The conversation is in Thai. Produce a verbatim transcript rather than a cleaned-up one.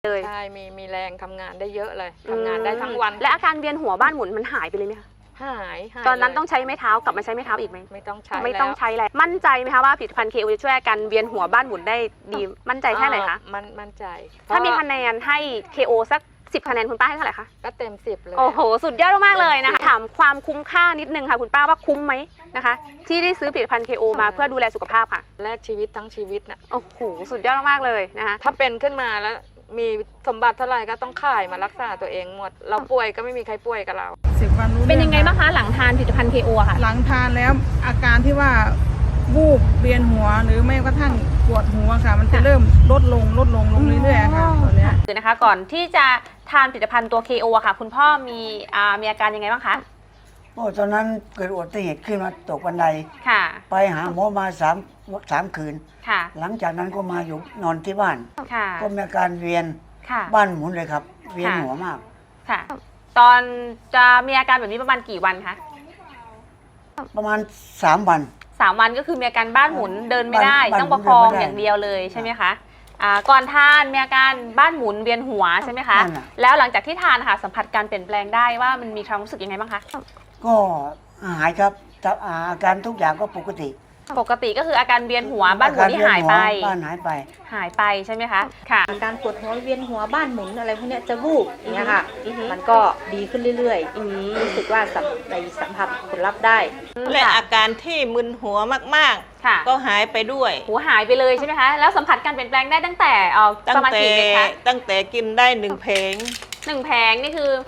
เลยใช่มีมีแรงทำงานได้เยอะเลยทำงานได้ทั้งวันและอาการเวียนหัวบ้านหมุนมันหายไปเลยไหมคะหายหายตอนนั้นเลยต้องใช้ไม้เท้ากลับมาใช้ไม้เท้าอีกไหมไม่ต้องใช้ไม่ต้องแล้วใช้แล้วมั่นใจไหมคะว่าผลิตภัณฑ์ เค โอ จะช่วยอาการเวียนหัวบ้านหมุนได้ดีมั่นใจแค่ไหนคะอ่ามันมั่นใจถ้ามีเพคะแนนให้ เค โอ สักสิบคะแนนคุณป้าให้เท่าไหร่คะก็เต็มสิบเลยโอ้โหสุดยอดมากๆเลยนะคะถามความคุ้มค่านิดนึงค่ะคุณป้าว่าคุ้มไหมนะคะ ที่ได้ซื้อผลิตภัณฑ์ เค โอ มาเพื่อดูแลสุขภาพค่ะแลกชีวิตทั้งชีวิตน่ะโอ้โหสุดยอดมากๆเลยนะคะถ้าเป็นขึ้นมาแล้วมีสมบัติเท่าไหร่ก็ต้องขายมารักษาตัวเองหมด เราป่วยก็ไม่มีใครป่วยกับเราสิบวันรู้เป็นรื่อยังไงบ้างคะหลังทานผลิตภัณฑ์ เค โอ ค่ะหลังทานแล้วอาการที่ว่าวูบเวียนหัวหรือไม่กระทั่งปวดหัวค่ะ มันจะเริ่มลดลงลดลงลงเรื่อยๆค่ะตอนเนี้ยคือนะคะก่อนที่จะทานผลิตภัณฑ์ตัว เค โอ อะค่ะ คุณพ่อมีอ่ามีอาการยังไงบ้างคะโอ้ตอนนั้นเกิดอุบัติเหตุขึ้นมาตกบันไดค่ะไปหาหมอมาสามสามคืนค่ะหลังจากนั้นก็มาอยู่นอนที่บ้านค่ะก็มีอาการเวียนค่ะบ้านหมุนเลยครับ เวียนค่ะหัวมากค่ะ ตอนจะมีอาการแบบนี้ประมาณกี่วันคะประมาณสามวันสามวันก็คือมีอาการบ้านหมุนเดินไม่ได้บ้านต้องประคองเดินไม่ได้อย่างเดียวเลยใช่ไหมคะอ่าก่อนทานมีอาการบ้านหมุนเวียนหัวใช่ไหมคะนั่นน่ะแล้วหลังจากที่ทานค่ะสัมผัสการเปลี่ยนแปลงได้ว่ามันมีความรู้สึกยังไงบ้างคะก็หายครับแต่อาการทุกอย่างก็ปกติปกติก็คืออาการเวียนหัวบ้านหมุนที่หายไปอการเวีนหัวบ้านหายไปหายไปใช่ไหมคะค่ะอาการปวดหัวเวียนหัวบ้านหมุนอะไรพวกเนี้ยจะวูบอย่างเงี้ยค่ะอือฮึมันก็ดีขึ้นเรื่อยอืมๆ รู้สึกว่าสัมในสัมผัสผลลัพธ์ได้และอาการที่มึนหัวมากค่ะๆ ก็หายไปด้วยหัวหายไปเลยใช่ไหมคะ แล้วสัมผัสการเปลี่ยนแปลงได้ตั้งแต่เอ่อตั้ปงระมาณแต่กี่เม็ดคะตั้งแต่กินได้หนึ่งเพลงหนึ่งแผงนี่คือ